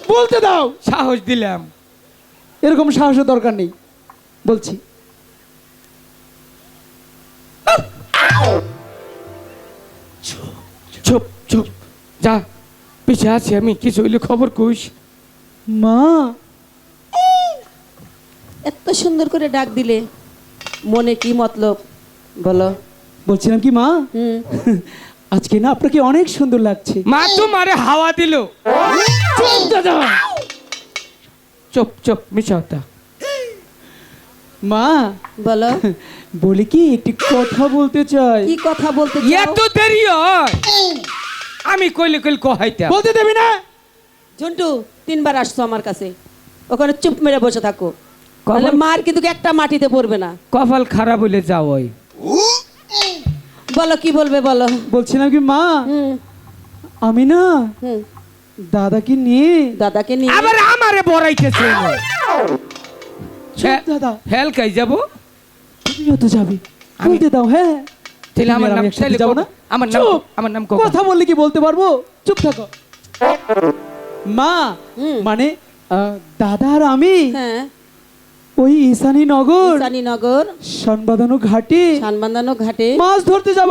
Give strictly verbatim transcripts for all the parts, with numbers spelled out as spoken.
বলতে দাও। সাহস দিলাম। এরকম সাহসের দরকার নেই, বলছি। চুপ চুপ, যা পিছিয়ে আছি আমি, কিছু হইলে খবর কইস। মা, এত সুন্দর করে ডাক দিলে, মনে কি মতলব বলো? বলছিলাম কি মা, হুম, আজকে না আপনাকে অনেক সুন্দর লাগছে। মা তোমারে হাওয়া দিল। চুপ দাদা। চুপ চুপ, মিশা হতা। মা বলো বলি কি, একটি কথা বলতে চাই। কি কথা বলতে চাও? এত দেরি হয়, আমি কইলে কইলে কহাইতা। বলতে দেবি না? ঝন্টু, তিনবার আসছো আমার কাছে, ওখানে চুপ মেরে বসে থাকো, কপাল- তাহলে মার কিন্তু একটা মাটিতে পড়বে না। কপাল খারাপ হইলে যাও। ওই বলো কি বলবে বলো। বলছিলাম কি মা, হুম আমি না হুম, দাদাকে নিয়ে। দাদাকে নিয়ে আবার আমারে বড়াইতেছে। চুপ দাদা, হেল কাই যাব। তুমিও তো যাবে, আমি- বলতে দাও। হ্যাঁ, তাহলে আমার তুমি আর নাম আমি একসাথে তাহলে যাবো কো- না? আমার নাম চুপ। আমার নাম কো। কথা বললে কি বলতে পারবো? চুপ থাকো মা। হুম। মানে আহ, দাদা আর আমি হ্যাঁ, ওই ঈশানী নগর ঈশানীনগর সনবাদানো ঘাটে সানবান্ধানো ঘাটে মাছ ধরতে যাবো।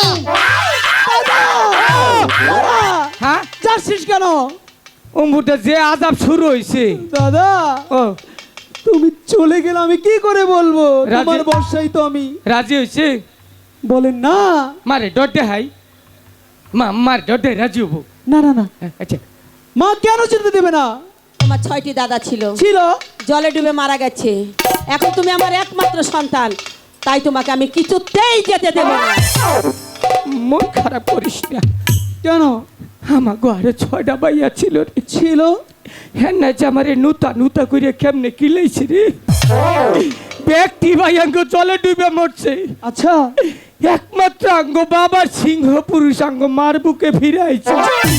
হ্যাঁ, যাচ্ছিস কেন অমুটা যে আজাব শুরু হইছে। দাদা? ও তুমি চলে গেলে আমি কি করে বলবো? রাজি- তোমার বর্ষাই তো আমি। রাজি হইছে। বলেন না। মারে ডর দে হাই, মা মার ডর দে, রাজি হবো। না না না, হ্যাঁ, আচ্ছা মা কেন যেতে দেবে না? তোমার ছয়টি দাদা ছিল, ছিল। জলে ডুবে মারা গেছে, এখন তুমি আমার একমাত্র সন্তান, তাই তোমাকে আমি কিছুতেই যেতে দেব না। মন খারাপ করিস না। কেন? আমার ঘরে ছয়টা বাইয়া ছিল রে। ছিল। হ্যাঁ না, যে আমারে নুতা নুতা করে কেমনে কিলাইছে রে। ব্যক্তি ভাইয়াঙ্গ জলে ডুবে মরছে। আচ্ছা, একমাত্র আঙ্গ বাবার সিংহ পুরুষ আঙ্গ মার বুকে ফিরাইছে।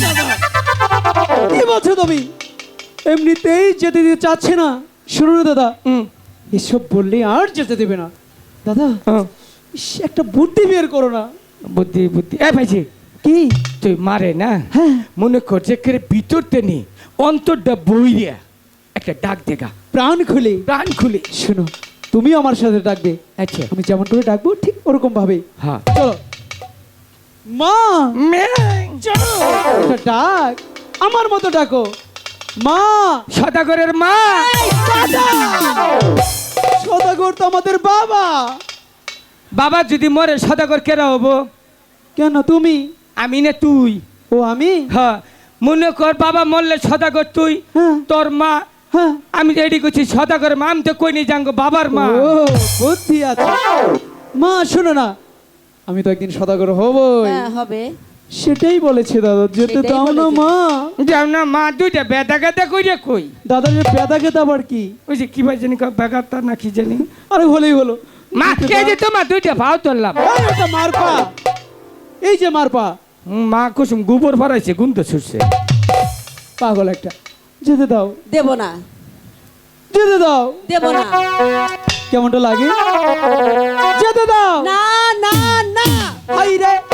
কি বলছো তুমি? এমনিতেই যেতে দিতে চাচ্ছে না। শুনো না দাদা, হুম, এসব বললে আর যেতে দেবে না। দাদা, হ্যাঁ, ইস, একটা বুদ্ধি বের করো না। বুদ্ধি বুদ্ধি এ ভাইজি, কি? তুই মারে না, হ্যাঁ, মনে কর যে করে ভিতরতে নি অন্তরটা বইয়া একটা ডাক দেগা, প্রাণ খুলে। প্রাণ খুলে। শোনো, তুমি আমার সাথে ডাকবে, আচ্ছা, আমি যেমন করে ডাকবো ঠিক ওরকম ভাবে। হ্যাঁ। চলো মা, ম্যাং, চলো একটা ডাক আমার মতো ডাকো। মা, সদাগরের মা। সদাগর তো আমাদের বাবা। বাবা যদি মরে সদাগর কেরা হবো? কেন তুমি? আমি না তুই। ও আমি? হ্যাঁ, মনে কর বাবা মরলে সদাগর তুই, হ্যাঁ তোর মা। হ্যাঁ। আমি রেডি করছি সদাগর মা, আমি তো কই নি জাঙ্গো বাবার মা। ও, বুদ্ধি আছে। মা শোনো না, আমি তো একদিন সদাগর হবই। হ্যাঁ হবে, সেটাই বলেছে দাদা, যেতে সেটাই দাও না বলেছে। মা। যাও না মা, দুইটা বেদা গাদা কইরে কই। দাদা যে পেদা খেতে আবার কি? ওই যে কি ভাই জানি বেগাতা না কি জানি। আরে হলেই হলো। মা কে যে তোমার দুইটা ভাও তুললাম। এই ওটা মারপা, এই যে মারপা। হুম, মা কুসুম গোবর ভরাইছে, গুন্ত ছুটছে। পাগল একটা। যেতে দাও, দেব না, যেতে দাও। দেব না, কেমনটা লাগে? যেতে দাও। না না না। হাই রে,